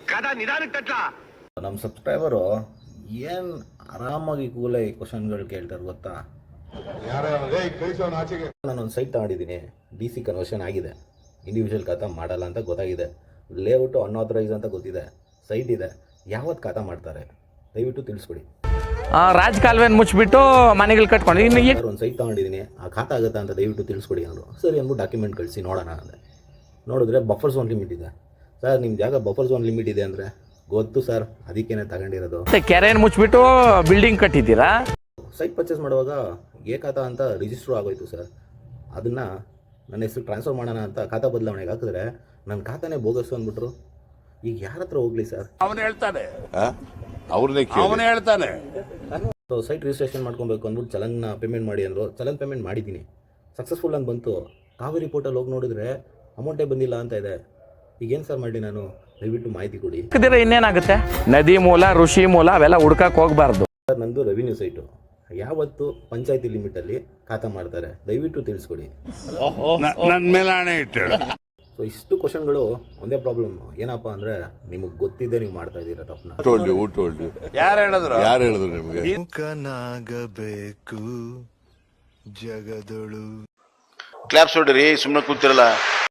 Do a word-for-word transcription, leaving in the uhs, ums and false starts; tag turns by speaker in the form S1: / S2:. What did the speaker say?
S1: ನಮ್ಮ ಸಬ್ಸ್ಕ್ರೈಬರು ಏನು ಆರಾಮಾಗಿ ಕೂಲೆ ಕ್ವಶನ್ಗಳು ಕೇಳ್ತಾರೆ ಗೊತ್ತಾ. ನಾನೊಂದು ಸೈಟ್ ತಗೊಂಡಿದ್ದೀನಿ, ಡಿ ಸಿ ಕನ್ವರ್ಷನ್ ಆಗಿದೆ, ಇಂಡಿವಿಜುವಲ್ ಖಾತಾ ಮಾಡಲ್ಲ ಅಂತ ಗೊತ್ತಾಗಿದೆ, ಲೇಔಟು ಅನ್ಆಥರೈಸ್ ಅಂತ ಗೊತ್ತಿದೆ, ಸೈಟ್ ಇದೆ, ಯಾವತ್ತು ಖಾತಾ ಮಾಡ್ತಾರೆ ದಯವಿಟ್ಟು ತಿಳಿಸ್ಕೊಡಿ.
S2: ರಾಜಕಾಲುವೆನ ಮುಚ್ಚಿಬಿಟ್ಟು ಮನೆಗಳು ಕಟ್ಕೊಂಡು ಇನ್ನು
S1: ಒಂದು ಸೈಟ್ ತಗೊಂಡಿದ್ದೀನಿ, ಆ ಖಾತಾ ಆಗುತ್ತಾ ಅಂತ ದಯವಿಟ್ಟು ತಿಳಿಸ್ಕೊಡಿ ಅಂದರು. ಸರಿ ಅಂದ್ಬಿಟ್ಟು ಡಾಕ್ಯುಮೆಂಟ್ ಕಳಿಸಿ ನೋಡೋಣ ಅಂದೆ. ನೋಡಿದ್ರೆ ಬಫರ್ ಝೋನ್ ಲಿಮಿಟ್ ಇದೆ. ಸರ್ ನಿಮ್ಮ ಜಾಗ ಬಫರ್ ಝೋನ್ ಲಿಮಿಟ್ ಇದೆ ಅಂದರೆ ಗೊತ್ತು ಸರ್, ಅದಕ್ಕೇನೆ ತಗೊಂಡಿರೋದು.
S2: ಕೆರೆಯನ್ನು ಮುಚ್ಚಿಬಿಟ್ಟು ಬಿಲ್ಡಿಂಗ್ ಕಟ್ಟಿದ್ದೀರಾ.
S1: ಸೈಟ್ ಪರ್ಚೇಸ್ ಮಾಡುವಾಗ ಏ ಖಾತಾ ಅಂತ ರಿಜಿಸ್ಟ್ರು ಆಗೋಯ್ತು ಸರ್. ಅದನ್ನು ನನ್ನ ಹೆಸರು ಟ್ರಾನ್ಸ್ಫರ್ ಮಾಡೋಣ ಅಂತ ಖಾತಾ ಬದಲಾವಣೆಗೆ ಹಾಕಿದ್ರೆ ನನ್ನ ಖಾತಾನೇ ಬೋಗಸ್ಸು ಅಂದ್ಬಿಟ್ರು. ಈಗ ಯಾರ ಹತ್ರ ಹೋಗ್ಲಿ ಸರ್?
S3: ಅವನು ಹೇಳ್ತಾನೆ ಅವನೇ ಹೇಳ್ತಾನೆ
S1: ಸೊ ಸೈಟ್ ರಿಜಿಸ್ಟ್ರೇಷನ್ ಮಾಡ್ಕೊಬೇಕು ಅಂದ್ಬಿಟ್ಟು ಚಲನ್ನ ಪೇಮೆಂಟ್ ಮಾಡಿ ಅಂದರು. ಚಲನ್ ಪೇಮೆಂಟ್ ಮಾಡಿದ್ದೀನಿ, ಸಕ್ಸಸ್ಫುಲ್ ಅಂತ ಬಂತು. ಕಾವೇರಿ ಪೋರ್ಟಲ್ ಹೋಗಿ ನೋಡಿದ್ರೆ ಅಮೌಂಟೇ ಬಂದಿಲ್ಲ ಅಂತ ಇದೆ. ಈಗೇನು ಸರ್ ಮಾಡಿ ನಾನು? ದಯವಿಟ್ಟು ಮಾಹಿತಿ ಕೊಡಿ.
S2: ಇನ್ನೇನಾಗುತ್ತೆ? ನದಿ ಮೂಲ, ಋಷಿ ಮೂಲ ಅವೆಲ್ಲ ಹುಡ್ಕಕ್ಕೆ ಹೋಗಬಾರ್ದು
S1: ಸರ್. ನಂದು ರೆವಿನ್ಯೂ ಸೈಟು, ಯಾವತ್ತು ಪಂಚಾಯತಿ ಲಿಮಿಟಲ್ಲಿ ಖಾತಾ ಮಾಡ್ತಾರೆ ದಯವಿಟ್ಟು ತಿಳಿಸ್ಕೊಡಿ.
S3: ನನ್ನ ಮೇಲೆ ಹಣೆ ಇಟ್ಟು.
S1: ಸೊ ಇಷ್ಟು ಕ್ವಶನ್ಗಳು ಒಂದೇ ಪ್ರಾಬ್ಲಮ್ ಏನಪ್ಪ ಅಂದರೆ, ನಿಮಗೆ ಗೊತ್ತಿದ್ದೆ ನೀವು ಮಾಡ್ತಾ ಇದ್ದೀರಾ ತಪ್ಪನ್ನ.
S3: ಯಾರು ಹೇಳಿದ್ರು
S4: ಯಾರು ಹೇಳಿದ್ರು ನಿಮಗೆ?
S5: ಮುಖನಾಗಬೇಕು ಜಗದೊಳು.
S4: ಕ್ಲಾಪ್ಸ್ ಹೊಡ್ರಿ, ಸುಮ್ಮನೆ ಕೂತಿರಲ್ಲ.